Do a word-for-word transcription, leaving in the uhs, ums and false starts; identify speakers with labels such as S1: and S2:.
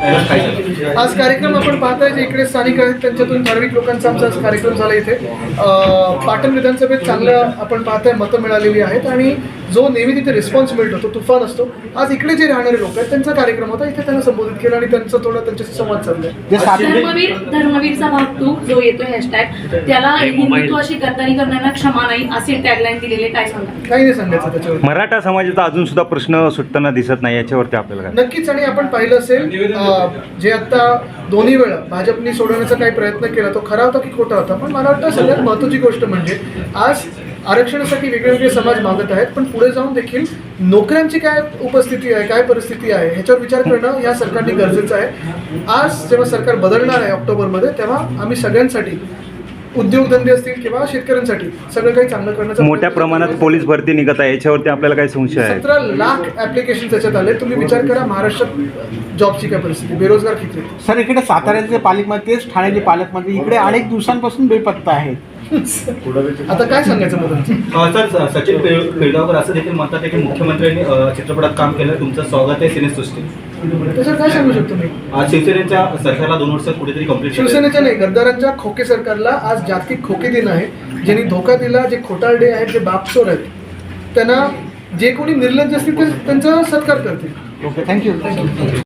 S1: आज कार्यक्रम आपण पाहताय जे इकडे स्थानिक आहेत त्यांच्यातून ठराविक लोकांचा आमचा आज कार्यक्रम झाला इथे. पाटण विधानसभेत चांगलं आपण पाहताय मतं मिळालेली आहेत आणि जो नेहमी तिथे रिस्पॉन्स मिळतो तो तुफान असतो. आज इकडे जे राहणारे लोक आहेत त्यांचा कार्यक्रम होता, इथे त्यांना संबोधित केलं आणि त्यांचं थोडं त्यांच्याशी संवाद साधलाय.
S2: धर्मवीर धर्मवीरचा भाग तू जो येतोय हॅशटॅग त्याला हिंदुत्वाशी गद्दारी करण्याला क्षमा नाही असे टॅगलाईन दिलेले, काय सांगा?
S1: काही नाही सांगायचं त्याच्यावर.
S3: मराठा समाजाचा अजून सुद्धा प्रश्न सुटताना दिसत नाही, याच्यावरती आपल्याला
S1: नक्कीच. आणि आपण पाहिलं असेल जे आता दोन्ही वेळा भाजपने सोडवण्याचा काही प्रयत्न केला तो खरा होता की खोटा होता, पण मला वाटतं सगळ्यात महत्त्वाची गोष्ट म्हणजे आज आरक्षणासाठी वेगवेगळे समाज मागत आहेत, पण पुढे जाऊन देखील नोकऱ्यांची काय उपस्थिती आहे, काय परिस्थिती आहे ह्याच्यावर विचार करणं या सरकारने गरजेचं आहे. आज जेव्हा सरकार बदलणार आहे ऑक्टोबरमध्ये, तेव्हा आम्ही सगळ्यांसाठी उद्योगधंदे असतील किंवा शेतकऱ्यांसाठी सगळं काही चांगलं करण्याचा
S3: मोठ्या प्रमाणात पोलीस भरती निघत आहे, याच्यावरती आपल्याला काही संशय आहे?
S1: सतरा लाख ऍप्लिकेशन त्याच्यात आले. तुम्ही विचार करा महाराष्ट्रात जॉबची काय परिस्थिती, बेरोजगार किती.
S4: सर इकडे साताऱ्याचे पालकमंत्री तेच ठाण्याचे पालकमंत्री इकडे अनेक दिवसांपासून बेपत्ता आहेत.
S1: आता काय सांगायचं मला?
S5: सर सचिन पिळगावकर असं देखील म्हणतात की मुख्यमंत्र्यांनी चित्रपटात काम केलं, तुमचं स्वागत आहे सिनेसृष्टी.
S1: त्याच्यावर काय सांगू शकतो मी?
S5: आज शिवसेनेच्या सरकारला दोन वर्ष कुठेतरी कंप्लीट
S1: शिवसेनेच्या नाही, गद्दारांच्या खोके सरकारला आज जागतिक खोके दिन आहे. ज्यांनी धोका दिला, जे खोटारडे आहेत, जे बापचोर आहेत, त्यांना जे कोणी निर्लज्ज असतील ते त्यांचा सत्कार करतील.
S4: Okay, thank you thank you